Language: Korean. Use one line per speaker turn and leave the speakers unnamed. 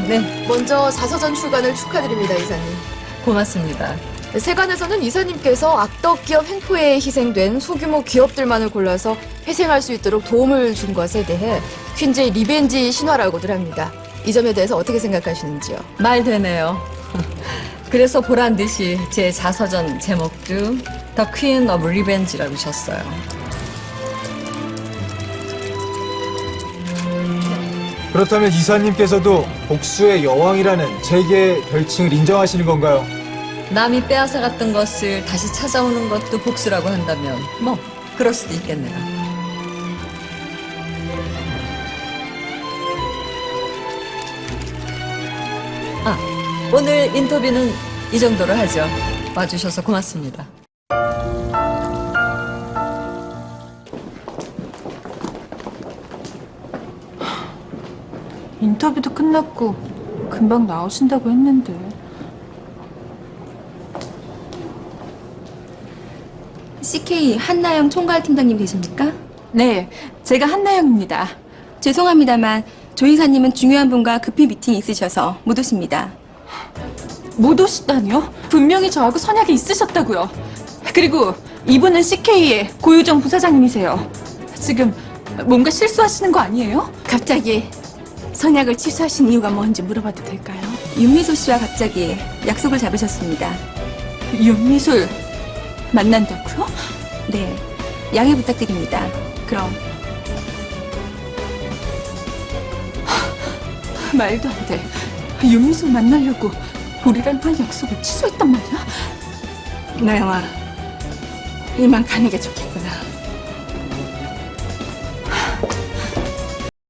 네,
먼저 자서전 출간을 축하드립니다, 이사님.
고맙습니다.
세간에서는 이사님께서 악덕 기업 횡포에 희생된 소규모 기업들만을 골라서 회생할 수 있도록 도움을 준 것에 대해 퀸즈의 리벤지 신화라고들 합니다. 이 점에 대해서 어떻게 생각하시는지요?
말 되네요. 그래서 보란 듯이 제 자서전 제목도 The Queen of Revenge라고 셨어요.
그렇다면 이사님께서도 복수의 여왕이라는 제게 별칭을 인정하시는 건가요?
남이 빼앗아갔던 것을 다시 찾아오는 것도 복수라고 한다면 뭐 그럴 수도 있겠네요. 아, 오늘 인터뷰는 이 정도로 하죠. 와주셔서 고맙습니다.
인터뷰도 끝났고 금방 나오신다고 했는데.
CK 한나영 총괄팀장님 되십니까?
네, 제가 한나영입니다.
죄송합니다만 조 이사님은 중요한 분과 급히 미팅이 있으셔서 못 오십니다.
못 오시다니요? 분명히 저하고 선약이 있으셨다고요. 그리고 이분은 CK의 고유정 부사장님이세요. 지금 뭔가 실수하시는 거 아니에요?
갑자기 선약을 취소하신 이유가 뭔지 물어봐도 될까요?
윤미소 씨와 갑자기 약속을 잡으셨습니다.
윤미술 만난다고요?
네, 양해 부탁드립니다.
그럼
말도 안 돼. 윤미술 만나려고 우리랑 한 약속을 취소했단 말이야?
나영아, 이만 가는 게 좋겠구나.